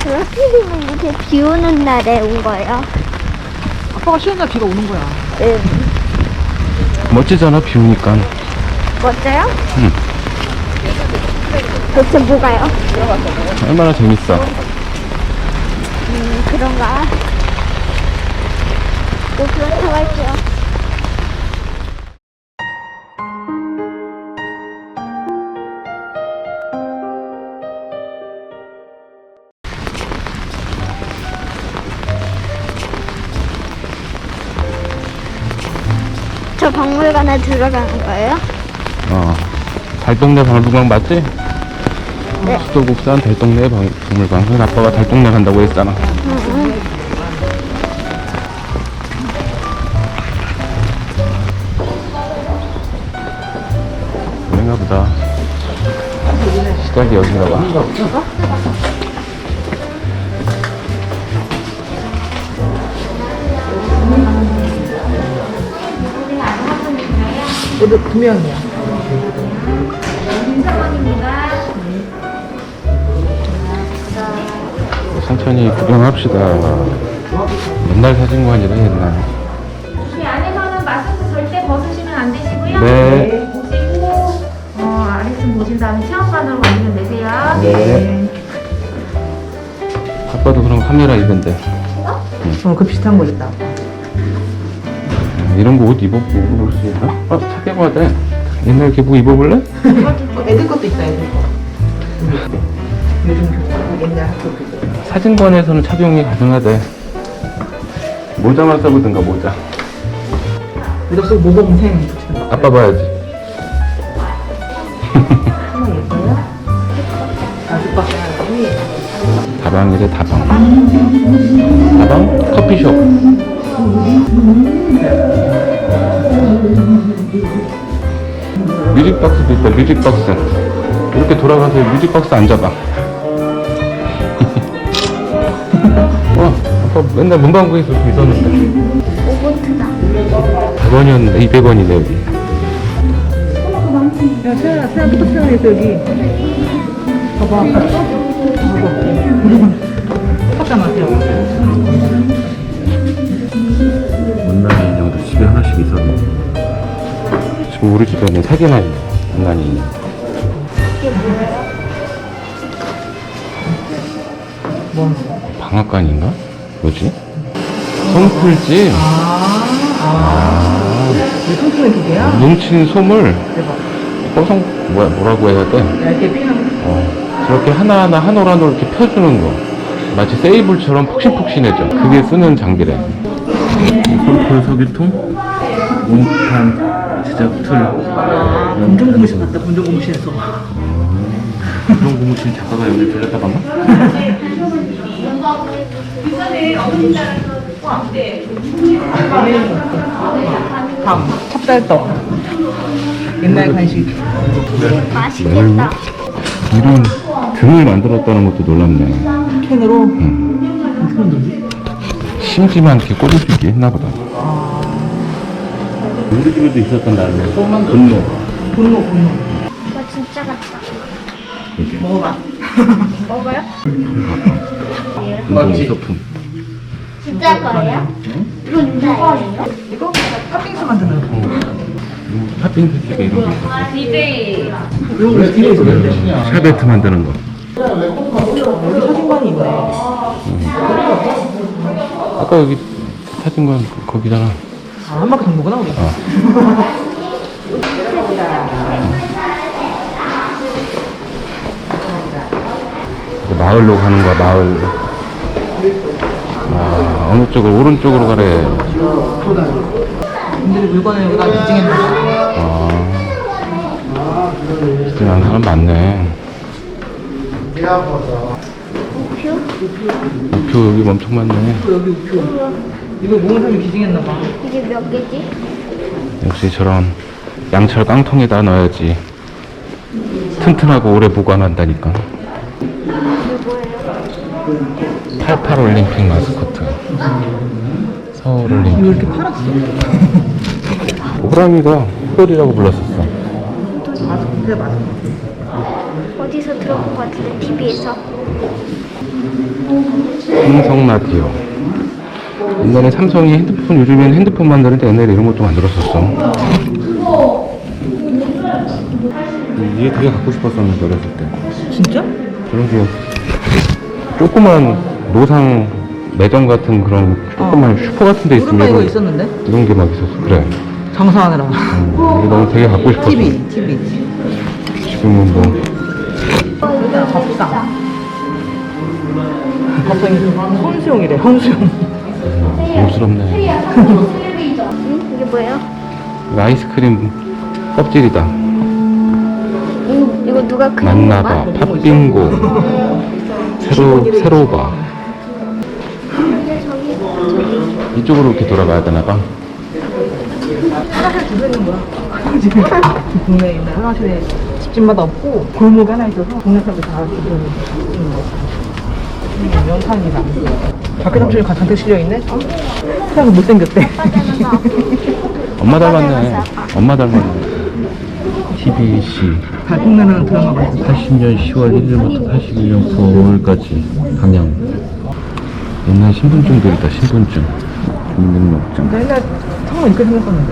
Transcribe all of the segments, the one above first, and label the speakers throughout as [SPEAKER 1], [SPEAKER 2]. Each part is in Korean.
[SPEAKER 1] 라피디는 이렇게 비 오는 날에 온 거예요.
[SPEAKER 2] 아빠가 쉬는 날 비가 오는 거야.
[SPEAKER 1] 네.
[SPEAKER 3] 멋지잖아, 비 오니까.
[SPEAKER 1] 멋져요?
[SPEAKER 3] 응.
[SPEAKER 1] 도대체 뭐가요?
[SPEAKER 3] 얼마나 재밌어.
[SPEAKER 1] 그런가? 네, 그렇다고 할게요. 저 박물관에 들어가는 거예요?
[SPEAKER 3] 달동네 박물관 맞지?
[SPEAKER 1] 네.
[SPEAKER 3] 수도국산 달동네 박물관. 그래서 아빠가 달동네 간다고 했잖아. 그런가 보다. 시작이 여긴가 봐.
[SPEAKER 2] 얘도 2명이야.
[SPEAKER 3] 천천히 구경합시다. 옛날 사진관이라 옛날.
[SPEAKER 4] 이 안에서는 마스크 절대 벗으시면 안 되시고요.
[SPEAKER 3] 네.
[SPEAKER 4] 보시고 아래층 보신 다음에 체험관으로 완전 내세요.
[SPEAKER 3] 네. 아빠도 그럼 카메라 입은데.
[SPEAKER 2] 그 비슷한 거 있다.
[SPEAKER 3] 이런 거 옷 입어볼 수 있나? 착용해야 돼. 옛날 교복 입어볼래?
[SPEAKER 2] 애들 것도 있다, 애들 거. 요즘 교복, 옛날 학교 교복.
[SPEAKER 3] 사진관에서는 착용이 가능하대. 모자만 써보든가, 모자.
[SPEAKER 2] 여기다 쓰고 모범생 붙이는 거.
[SPEAKER 3] 아빠 봐야지.
[SPEAKER 2] 하나 예뻐요? 아주박 사람이
[SPEAKER 3] 다방이래, 다방. 다방? 커피숍. 뮤직박스도 있다, 뮤직박스. 이렇게 돌아가서 뮤직박스 앉아봐. 아빠 맨날 문방구에서 있었는데.
[SPEAKER 1] 5번트다.
[SPEAKER 3] 100원이었는데 200원이네, 여기.
[SPEAKER 2] 야, 세연아, 포토스에서 여기. 봐봐. 샀잖아, 세연.
[SPEAKER 3] 문난이 인형도 집에 하나씩 있었는데. 지금 우리 집에는 3개나 있네, 문난이 인형.
[SPEAKER 1] 이게 뭐예요?
[SPEAKER 2] 뭐?
[SPEAKER 3] 방앗간인가? 뭐지? 송풀집?
[SPEAKER 2] 이 손톱의 기계야?
[SPEAKER 3] 뭉친 솜을
[SPEAKER 2] 대박.
[SPEAKER 3] 뭐라고 해야 돼?
[SPEAKER 2] 얇게 피는
[SPEAKER 3] 저렇게 하나하나 한 올 한 올 이렇게 펴주는 거. 마치 세이블처럼 푹신푹신해져. 그게 쓰는 장비래. 폴폴 석유통, 몽탄 제작 툴.
[SPEAKER 2] 검정 고무신 같다, 검정 고무신에서.
[SPEAKER 3] 이런 고무신 작가가 여기 들렸다 봤나?
[SPEAKER 2] 밤, 찹쌀떡. 옛날 간식.
[SPEAKER 1] 맛있겠다.
[SPEAKER 3] 이런 등을 만들었다는 것도 놀랍네.
[SPEAKER 2] 캔으로. 어떻게 만들지?
[SPEAKER 3] 심지만 이렇게 꽂을 수 있게 했나 보다. 우리 집에도 있었던 나름의 분노.
[SPEAKER 2] 분노.
[SPEAKER 1] 이거 진짜 같다.
[SPEAKER 2] 먹어봐.
[SPEAKER 1] 먹어요?
[SPEAKER 3] 운동 소품.
[SPEAKER 1] 진짜 거예요? 이거 진짜예요?
[SPEAKER 2] 이거 팥빙수 만드는 거.
[SPEAKER 3] 팥빙수 집에 이런 거 있어.
[SPEAKER 4] DJ.
[SPEAKER 2] 이런 거 뒤에 있었는데.
[SPEAKER 3] 샤베트 만드는 거.
[SPEAKER 2] 여기 사진관이 있네.
[SPEAKER 3] 아까 여기 사진관 거기잖아.
[SPEAKER 2] 아, 한 바퀴 정보구나, 우리.
[SPEAKER 3] 마을로 가는 거야, 마을. 어느 쪽으로, 오른쪽으로 가래.
[SPEAKER 2] 분들이 물건을 여기다 기증했나
[SPEAKER 3] 기증하는 사람 많네. 우표 여기 엄청 많네.
[SPEAKER 2] 여기 우표. 이거 모은 사람이 기증했나 봐.
[SPEAKER 1] 이게 몇 개지?
[SPEAKER 3] 역시 저런 양철 깡통에다 넣어야지 튼튼하고 오래 보관한다니까.
[SPEAKER 1] 누구예요?
[SPEAKER 3] 88 올림픽 마스코트. 서울
[SPEAKER 2] 이거
[SPEAKER 3] 올림픽.
[SPEAKER 2] 이렇게 팔았어.
[SPEAKER 3] 호랑이가 호돌이라고 불렀었어.
[SPEAKER 2] 맞아, 근데 맞아.
[SPEAKER 1] 어디서 들어본 것 같은데 TV에서.
[SPEAKER 3] 삼성 라디오. 옛날에 삼성이 핸드폰, 요즘엔 핸드폰 만드는데 옛날에 이런 것도 만들었었어. 이게 되게 갖고 싶었었는데 어렸을 때.
[SPEAKER 2] 진짜?
[SPEAKER 3] 그런 게 조그만 노상 매점 같은 그런 조그만 슈퍼 같은 데 있으면
[SPEAKER 2] 오랜만에 이거 있었는데?
[SPEAKER 3] 이런 게 막 있었어. 그래.
[SPEAKER 2] 장사하느라.
[SPEAKER 3] 이게 너무 되게 갖고 싶었어.
[SPEAKER 2] TV.
[SPEAKER 3] 지금은 뭐
[SPEAKER 2] 밥상. 밥상이 혼수용이래, 혼수용.
[SPEAKER 3] 고급스럽네.
[SPEAKER 1] 응? 이게 뭐예요?
[SPEAKER 3] 이거 아이스크림 껍질이다.
[SPEAKER 1] 이거 누가 그린
[SPEAKER 3] 만나봐,
[SPEAKER 1] 건가?
[SPEAKER 3] 팥빙고, 세로바. 이쪽으로 이렇게 돌아가야 되나봐.
[SPEAKER 2] 화장실 두개 있는 거야. 동네에 있는 화장실에 집집마다 없고 골목에 하나 있어서 동네 사람들 다 있는 거. 명탄이다. 밖에 삼촌이 잔뜩 실려있네? 사람 못생겼대.
[SPEAKER 3] 엄마 닮았네. 엄마 닮았네. TBC.
[SPEAKER 2] 달콩내는 드라마가 있어.
[SPEAKER 3] 80년 10월 1일부터 81년 9월까지 방영. 옛날 신분증들이다, 신분증. 주민등록증.
[SPEAKER 2] 나 옛날 성은 이렇게 생겼었는데.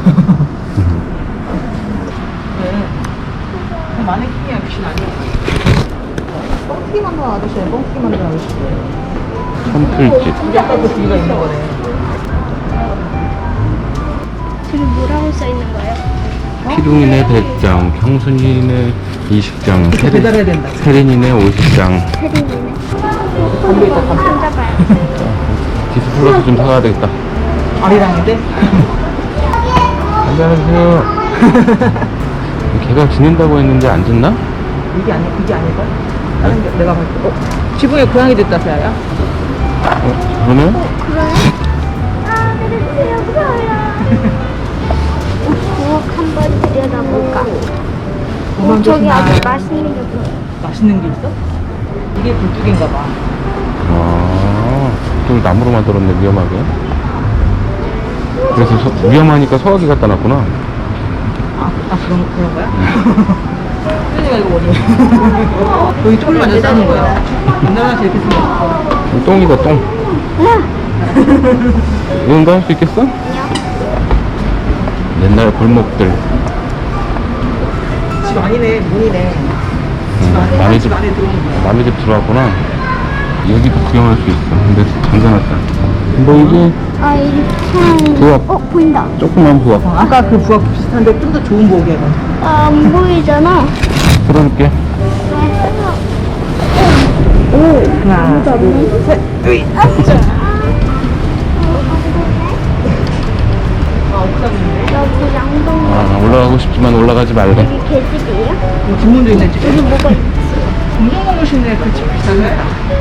[SPEAKER 2] 네. 마네킹이야, 귀신 아니야. 뻥튀기 만든 아저씨야, 뻥튀기 만든 아저씨.
[SPEAKER 3] 선풀집.
[SPEAKER 2] 우리 아까 그 뒤가 있는 거네.
[SPEAKER 1] 저기 뭐라고 써있는 거예요?
[SPEAKER 3] 피둥이네 100장, 형순이네 20장,
[SPEAKER 2] 이렇게 배달해야 된다.
[SPEAKER 3] 세린이네 50장.
[SPEAKER 1] 세린이네.
[SPEAKER 2] 담배 있다, 담배.
[SPEAKER 1] 찾아봐요.
[SPEAKER 3] 디스플러스 좀 사가야 되겠다.
[SPEAKER 2] 아리랑인데?
[SPEAKER 3] 안녕하세요. 걔가 지낸다고 했는데 안 듣나?
[SPEAKER 2] 이게 아닐걸? 다른 게 내가 봤을 때. 지붕에 고양이 됐다, 세아야?
[SPEAKER 3] 그러네?
[SPEAKER 1] 그러네? 아, 내려주세요. 무서워요. 부엌 한번 들여다볼까? 저기 아주 맛있는 게 보여.
[SPEAKER 2] 맛있는 게 있어? 이게 불뚝인가 봐.
[SPEAKER 3] 아, 좀 나무로 만들었네, 위험하게. 그래서 위험하니까 소화기 갖다 놨구나.
[SPEAKER 2] 그런 거야? 혜진이가 이거 뭐니? 여기 쫄 완전 싸는 거야. 옛날 화장실 이렇게 생겼어.
[SPEAKER 3] 똥이다, 똥. 이런 거 할 수 있겠어? 옛날 골목들.
[SPEAKER 2] 집 아니네, 문이네. 집 안에,
[SPEAKER 3] 남의
[SPEAKER 2] 집
[SPEAKER 3] 집,
[SPEAKER 2] 안에 들어오는 거야.
[SPEAKER 3] 남의 집 들어왔구나. 여기도 구경할 수 있어. 근데 잠가놨다. 보이지?
[SPEAKER 1] 아, 이렇게.
[SPEAKER 3] 부엌.
[SPEAKER 1] 보인다.
[SPEAKER 3] 조그만 부엌.
[SPEAKER 2] 아까 그 부엌 비슷한데 좀 더 좋은 부엌이야. 이건.
[SPEAKER 1] 아, 안 보이잖아.
[SPEAKER 3] 풀어줄게.
[SPEAKER 2] 하나, 둘, 셋. 으이.
[SPEAKER 1] 여기 양동.
[SPEAKER 3] 아, 올라가고 싶지만 올라가지 말래.
[SPEAKER 1] 여기 개집이에요?
[SPEAKER 2] 뒷문도 있네, 집에.
[SPEAKER 1] 여기 뭐가 있지?
[SPEAKER 2] 공동건물실에 그 집 비슷하네.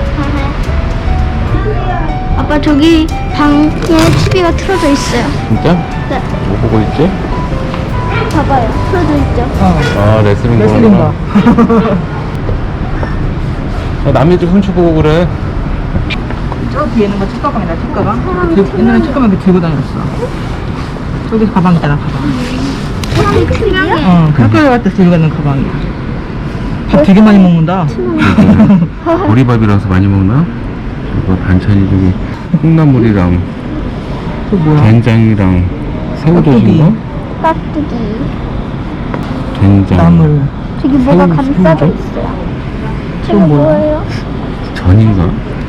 [SPEAKER 1] 아빠 저기 방에 TV가 틀어져 있어요.
[SPEAKER 3] 진짜?
[SPEAKER 1] 네.
[SPEAKER 3] 뭐 보고 있지?
[SPEAKER 1] 봐봐요. 틀어져 있죠.
[SPEAKER 3] 아, 레슬링
[SPEAKER 2] 레슬링가.
[SPEAKER 3] 보는구나. 남의 집 훔쳐보고 그래.
[SPEAKER 2] 저 뒤에 있는 거 책가방이다, 책가방. 옛날에 책가방 이렇게 들고 다녔어. 저기 가방 있잖아, 가방.
[SPEAKER 1] 사람이 투명해.
[SPEAKER 2] 학교 갈 때 들고 가는 가방이야. 밥 되게 많이 먹는다.
[SPEAKER 3] 보리밥이라서 많이 먹나? 이거 반찬이 저기 콩나물이랑
[SPEAKER 2] 저 뭐야?
[SPEAKER 3] 된장이랑 새우젓인가?
[SPEAKER 1] 깍두기.
[SPEAKER 3] 된장.
[SPEAKER 2] 나물.
[SPEAKER 1] 저기 뭐가
[SPEAKER 3] 새우,
[SPEAKER 1] 감싸져
[SPEAKER 3] 새우젓?
[SPEAKER 1] 있어요. 저기
[SPEAKER 2] 저건 뭐야?
[SPEAKER 1] 뭐예요?
[SPEAKER 3] 전인가?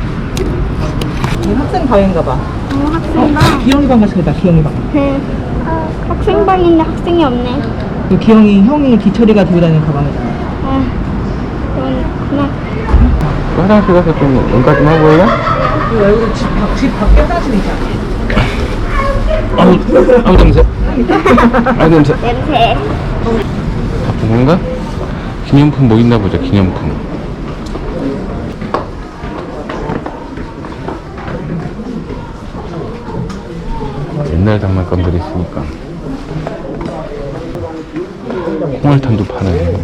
[SPEAKER 2] 이 학생 방인가 봐.
[SPEAKER 1] 학생방.
[SPEAKER 2] 기영이 방 같이 다 기영이 방.
[SPEAKER 1] 네. 아, 학생방인데 학생이 없네.
[SPEAKER 2] 그 기영이 형이 기철이가 들고 다니는 가방이잖아.
[SPEAKER 1] 아, 그렇구나.
[SPEAKER 3] 화장실 가서 좀 응가 좀 하고 올래?
[SPEAKER 2] 이거 여기 집 밖에 화장실 있잖아.
[SPEAKER 3] 아우 냄새. 아우 냄새.
[SPEAKER 1] 냄새.
[SPEAKER 3] 바쁜 건가? 기념품 뭐 있나 보자, 기념품. 옛날 장난감들이 있으니까. 홍알탄도 파네.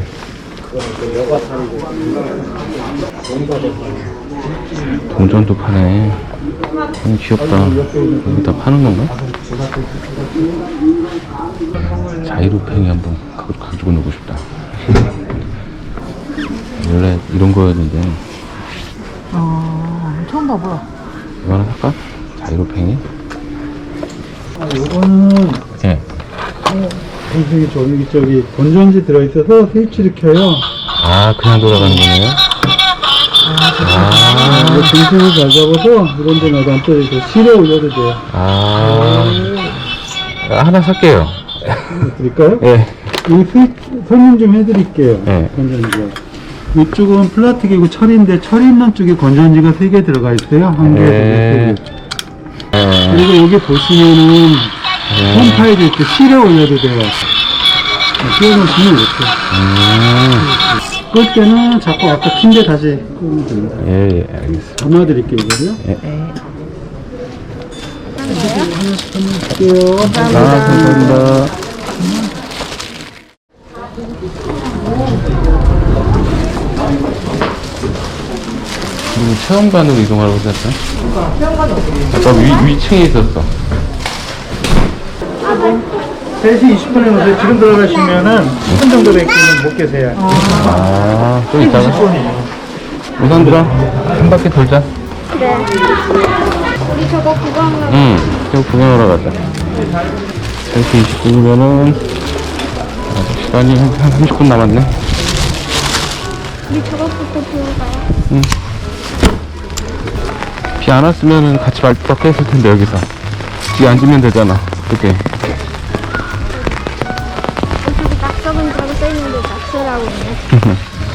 [SPEAKER 3] 동전도 파네. 귀엽다. 여기다 파는 건가? 자이로팽이 한번 가지고 놀고 싶다. 원래 이런 거였는데
[SPEAKER 2] 처음 봐봐.
[SPEAKER 3] 이거는 살까? 자이로팽이?
[SPEAKER 5] 이거는
[SPEAKER 3] 예.
[SPEAKER 5] 저기 건전지 들어있어서 스위치를 켜요.
[SPEAKER 3] 아, 그냥 돌아가는 거네요?
[SPEAKER 5] 이거 중심을 잘 잡아서 이런 데마다 안 떨어져 실에 올려도 돼요.
[SPEAKER 3] 하나 살게요.
[SPEAKER 5] 드릴까요?
[SPEAKER 3] 예.
[SPEAKER 5] 이 스위치 설명 좀 해드릴게요.
[SPEAKER 3] 네.
[SPEAKER 5] 건전지가. 이쪽은 플라스틱이고 철인데 철 있는 쪽에 건전지가 3개 들어가 있어요. 한 개에서
[SPEAKER 3] 네.
[SPEAKER 5] 3개. 그리고 여기 보시면은 홈 파일이 이렇게 실에 올려도 돼요. 끼워놓으시면 이렇게. 끌 때는 자꾸 아까 킨데 다시 끄면 됩니다.
[SPEAKER 3] 예, 알겠습니다.
[SPEAKER 5] 담아드릴게요, 이거요.
[SPEAKER 2] 네.
[SPEAKER 5] 할게요.
[SPEAKER 3] 감사합니다. 그리고 체험관으로 이동하라고 했었어? 아까 위층에 있었어.
[SPEAKER 5] 3시 20분에 오세요. 지금 들어가시면은 10분 정도 밖에는 못 계세요.
[SPEAKER 3] 아, 좀 이따가. 우선들아, 한 바퀴 돌자.
[SPEAKER 1] 그래. 우리 저거 구경하러.
[SPEAKER 3] 응, 저 구경하러 가자. 3시 20분이면은, 아직 시간이 한 30분 남았네.
[SPEAKER 1] 우리 저거부터 보러 가요.
[SPEAKER 3] 비 안 왔으면은 같이 말뚝 했을 텐데, 여기서. 뒤에 앉으면 되잖아. 이렇게.
[SPEAKER 1] 저기 낙서문이라고 써있는데 낙서라고 있네.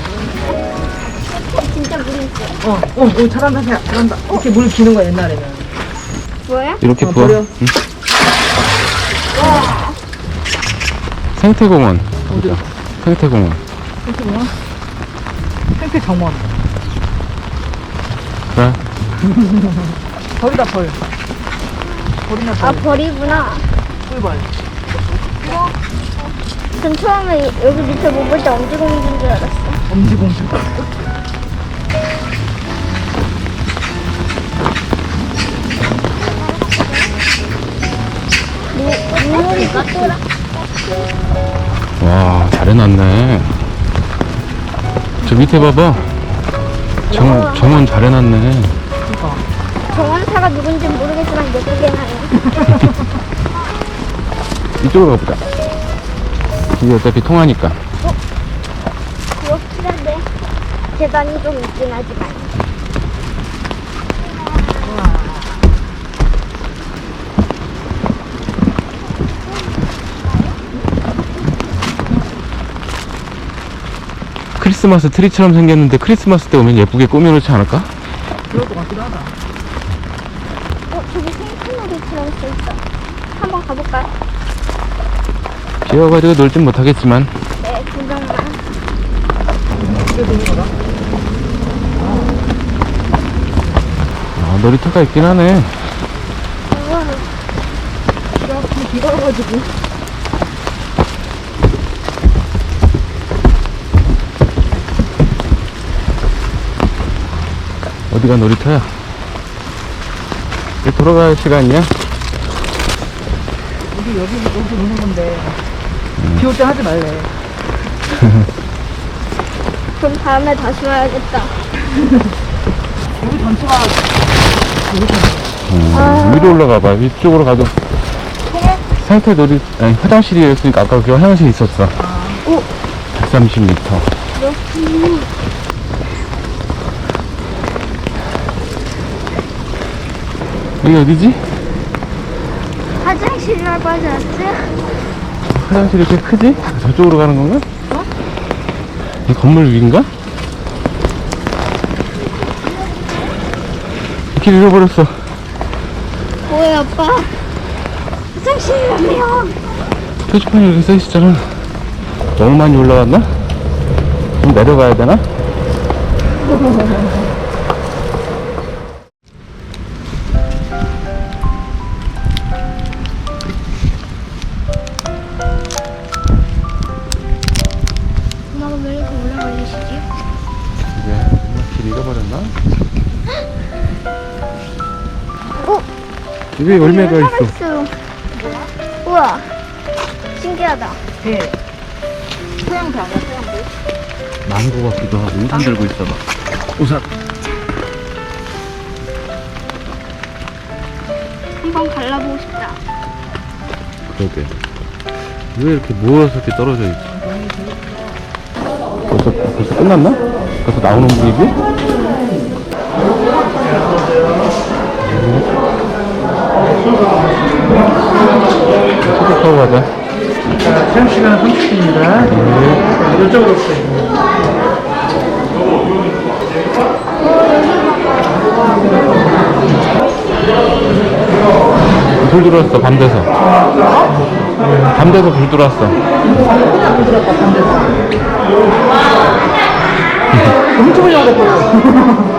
[SPEAKER 1] 진짜 물이 있어.
[SPEAKER 2] 오, 잘한다, 잘한다. 이렇게 물 기는 거야, 옛날에는.
[SPEAKER 1] 뭐야?
[SPEAKER 3] 이렇게 부어.
[SPEAKER 2] 버려.
[SPEAKER 3] 응. 생태공원. 어디야? 생태공원.
[SPEAKER 2] 생태 정원.
[SPEAKER 3] 그래.
[SPEAKER 2] 벌이다, 벌. 벌이나
[SPEAKER 1] 아,
[SPEAKER 2] 벌.
[SPEAKER 1] 벌이구나.
[SPEAKER 2] 꿀벌.
[SPEAKER 1] 전 처음에 여기 밑에 못 볼 때 엄지공주인 줄 알았어.
[SPEAKER 2] 엄지공주.
[SPEAKER 1] 물놀이 같더라.
[SPEAKER 3] 와, 잘 해놨네. 저 밑에 봐봐. 정원 잘 해놨네.
[SPEAKER 1] 정원사가 누군지 모르겠지만 예쁘게 나요.
[SPEAKER 3] 이쪽으로 가보자. 이게 어차피 통하니까.
[SPEAKER 1] 그렇긴 한데 계단이 좀 있긴 하지만.
[SPEAKER 3] 크리스마스 트리처럼 생겼는데 크리스마스 때 오면 예쁘게 꾸며놓지 않을까?
[SPEAKER 2] 그럴 것 같기도 하다.
[SPEAKER 1] 저기 생크놀이처럼 써있어. 한번 가볼까요?
[SPEAKER 3] 비 와가지고 놀진 못하겠지만.
[SPEAKER 1] 네, 구경만.
[SPEAKER 3] 아, 놀이터가 있긴 하네.
[SPEAKER 1] 우와,
[SPEAKER 2] 이렇게 비가 와가지고.
[SPEAKER 3] 어디가 놀이터야? 이제 돌아갈 시간이야?
[SPEAKER 2] 우리 여기서 노는 건데. 비 올 때 하지 말래.
[SPEAKER 1] 그럼 다음에 다시 와야겠다.
[SPEAKER 2] 여기 전체가
[SPEAKER 3] 위로 올라가봐. 위쪽으로 가도. 상태 놀이, 아니, 화장실이었으니까 아까 그 화장실 있었어. 130m. 여기 어디지?
[SPEAKER 1] 화장실이라고 하지 않았지?
[SPEAKER 3] 화장실이 이렇게 크지? 저쪽으로 가는 건가? 이 건물 위인가? 길 잃어버렸어.
[SPEAKER 1] 뭐야, 아빠? 화장실이라며.
[SPEAKER 3] 표지판이 여기 써있었잖아. 너무 많이 올라갔나? 좀 내려가야 되나?
[SPEAKER 1] 엄마가 왜 이렇게 오래 걸리시지?
[SPEAKER 3] 왜? 길 잃어버렸나? 여기 열매가 있어.
[SPEAKER 1] 있어. 우와, 신기하다.
[SPEAKER 2] 배. 소양배 아니야, 소양배?
[SPEAKER 3] 망고 같기도 하고 우산 들고 있어봐. 우산.
[SPEAKER 1] 한번 갈라보고 싶다.
[SPEAKER 3] 그러게. 왜 이렇게 모여서 이렇게 떨어져 있지? 벌써 끝났나? 벌써 나오는 분위기? 초대하고 가자.
[SPEAKER 2] 자, 체험 시간은 30분입니다. 이쪽으로 오세요.
[SPEAKER 3] 불 들어왔어, 밤 돼서. 밤 돼서 불 들어왔어.
[SPEAKER 2] 엄청 올려고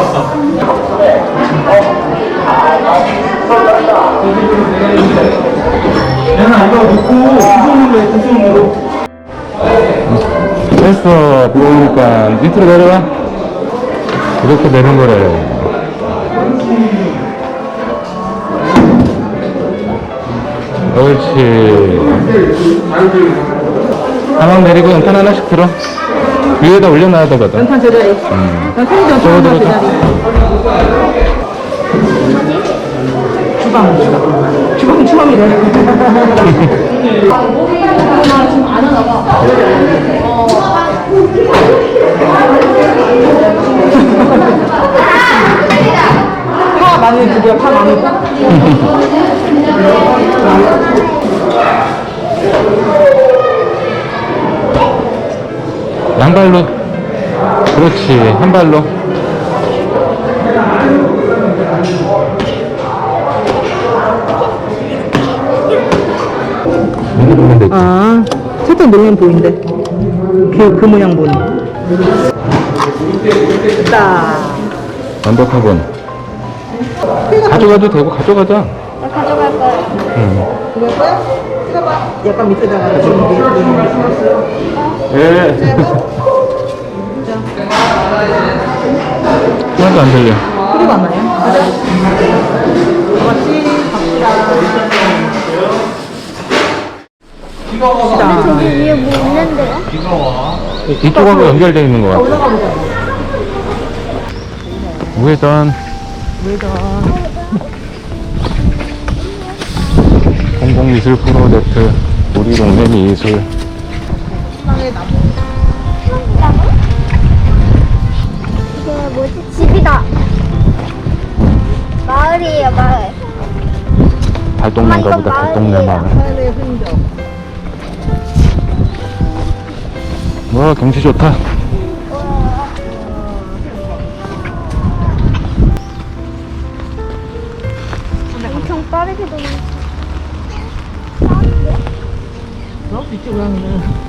[SPEAKER 2] 얘는 이거 놓고 구성으로 해, 구성으로.
[SPEAKER 3] 됐어. 보니까 밑으로 내려와. 이렇게 내는 거래. 옳지. 가방 내리고 연탄 하나씩 들어. 위에다 올려놔야 되거든.
[SPEAKER 2] 연탄 제자리. 연탄이 연탄
[SPEAKER 3] 저거
[SPEAKER 2] 제자리. 주방이래. 파 많이 드려, 파 많이.
[SPEAKER 3] 양발로. 그렇지. 한 발로. 여기 보면 되지.
[SPEAKER 2] 아, 살짝 놀면 보인대. 그 모양 보니. 됐다.
[SPEAKER 3] 완벽하군. 가져가도 되고 가져가자.
[SPEAKER 1] 나 가져갈 거야.
[SPEAKER 2] 약간 밑에다가 좀
[SPEAKER 3] 예. 하나도 안 들려.
[SPEAKER 2] 소리가 안 나요? 같이 갑시다.
[SPEAKER 1] 저기 위에 뭐 있는데요?
[SPEAKER 3] 이쪽하고 연결되어 있는 것 같아.
[SPEAKER 2] 올라가 보자.
[SPEAKER 3] 우회전. 공공미술 프로젝트 우리 동네 미술.
[SPEAKER 1] 이게 뭐지? 집이다. 마을이에요, 마을.
[SPEAKER 3] 달동네인가 보다. 달동네 마을.
[SPEAKER 2] 하늘의 흔적.
[SPEAKER 3] 와 경치 좋다.
[SPEAKER 1] 엄청 빠르게 도는.
[SPEAKER 2] 그럴 수 있지, 고양이는.